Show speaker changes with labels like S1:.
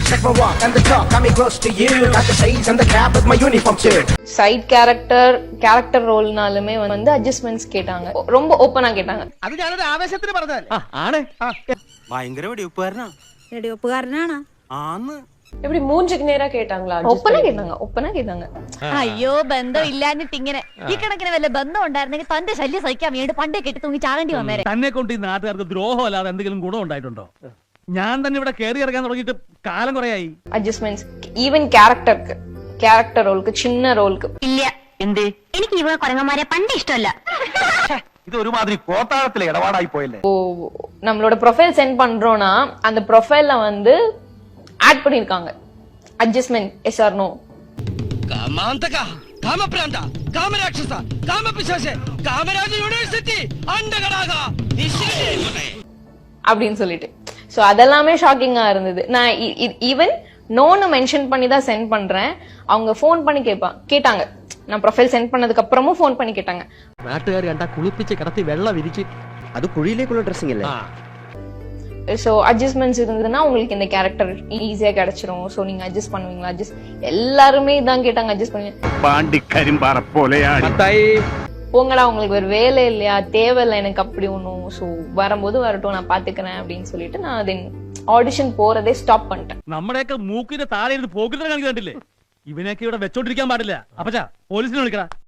S1: Check my walk and the talk, got me close to you. Got the shades and the cap with my uniform too.
S2: Side character ரோல்னாலுமே வந்து adjustments கேட்டாங்க, ரொம்ப ஓப்பனா கேட்டாங்க.
S3: അത് ഞാനൊരു ആവേശത്തിന് പറഞ്ഞതല്ലേ.
S4: ആണ്
S5: ഭയങ്കര വെടിവെപ്പുകാരനാ.
S6: വെടിവെപ്പുകാരനാണോ?
S5: ആന്ന്.
S7: எப்படி மூஞ்சுக்கு நேரா கேட்டாங்களா?
S2: ഒപ്പന കേട്ടാங்க.
S6: അയ്യോ ബന്ധം ഇല്ലാഞ്ഞിട്ട് ഇങ്ങനെ ഈ കണക്കിന് വല്ല ബന്ധം ഉണ്ടായിരുന്നെങ്കിൽ തന്റെ ശല്യം സഹിക്കാൻ വേണ്ടി പണ്ടേ കെട്ടി തൂങ്ങി ചാകേണ്ടി വന്നേരെ.
S4: തന്നെ കൊണ്ട് ഈ നാട്ടുകാർക്ക് ദ്രോഹം അല്ലാതെ എന്തെങ്കിലും ഗുണം ഉണ്ടായിട്ടുണ്ടോ? ഞാൻ തന്നെ ഇവിടെ കയറി ഇറങ്ങാൻ തുടങ്ങിയിട്ട് കാലം കുറയായി.
S2: അഡ്ജസ്റ്റ്മെന്റ്സ് ഈവൻ ക്യാരക്ടർ റോൾക്ക്, ചിന്ന റോൾക്ക്
S6: ഇല്ല. എന്തേ? എനിക്ക് ഇവ കുരങ്ങന്മാരെ പണ്ട് ഇഷ്ടമല്ല.
S3: ഇത് ഒരുമാതിരി കോത്താഴത്തിലെ ഇടപാടായി പോയല്ലേ.
S2: நம்மளோட ப்ரொஃபைல் சென்ட் பண்றோம்னா அந்த ப்ரொஃபைல்ல வந்து ஆட் பண்ணிருக்காங்க அட்ஜஸ்ட்மென்ட் எஸ் ஆர் நோ.
S3: കാമാന്തക, കാമപ്രാന്ത, കാമരാക്ഷസ, കാമപിശാച, കാമരാജ യൂണിവേഴ്സിറ്റി അണ്ടകടാക
S2: அப்படின்னு சொல்லிட்டு. சோ அதெல்லாமே ஷாக்கிங்கா இருந்தது. நான் ஈவன் நோன்னு மென்ஷன் பண்ணி தான் சென்ட் பண்றேன். அவங்க ஃபோன் பண்ணி கேட்டாங்க. நான் ப்ரொஃபைல் சென்ட் பண்ணதுக்கு அப்புறமும் ஃபோன் பண்ணி கேட்டாங்க.
S4: നാട്ടുകാർ കണ്ടാ കുളിപ്പിച്ച് കിടത്തി വെള്ളം വിരിച്ച്
S8: അത് കുഴിയിലേക്കുള്ള ഡ്രസ്സിംഗ് അല്ലേ?
S2: ஸோ அட்ஜஸ்ட்மெண்ட்ஸ் இருந்ததுன்னா உங்களுக்கு இந்த கேரக்டர் ஈஸியா கிடைச்சிரும். ஸோ நீங்க அட்ஜஸ்ட் பண்ணுவீங்களா? எல்லாருமே இதான் கேட்டாங்க, அட்ஜஸ்ட் பண்ணுவீங்க.
S5: പാണ്ടി കരിമ്പാറ പോലെയാണ്.
S2: போங்கடா, உங்களுக்கு ஒரு வேலை இல்லையா, தேவையில்லை எனக்கு அப்படி ஒண்ணும். ஸோ வரும்போது வரட்டும், நான் பாத்துக்கிறேன் அப்படின்னு சொல்லிட்டு நான் தென் ஆடிஷன் போறதே ஸ்டாப் பண்ணிட்டேன்.
S4: നമ്മുടെയൊക്കെ മൂക്കിന്റെ താഴെ ഇരുന്ന് പോക്കിട്ട് കാണിക്കണ്ടില്ലേ? ഇവനെയൊക്കെ ഇവിടെ വെച്ചോണ്ടിരിക്കാൻ പാടില്ല. അപ്പച്ചാ പോലീസിനെ വിളിക്കടാ.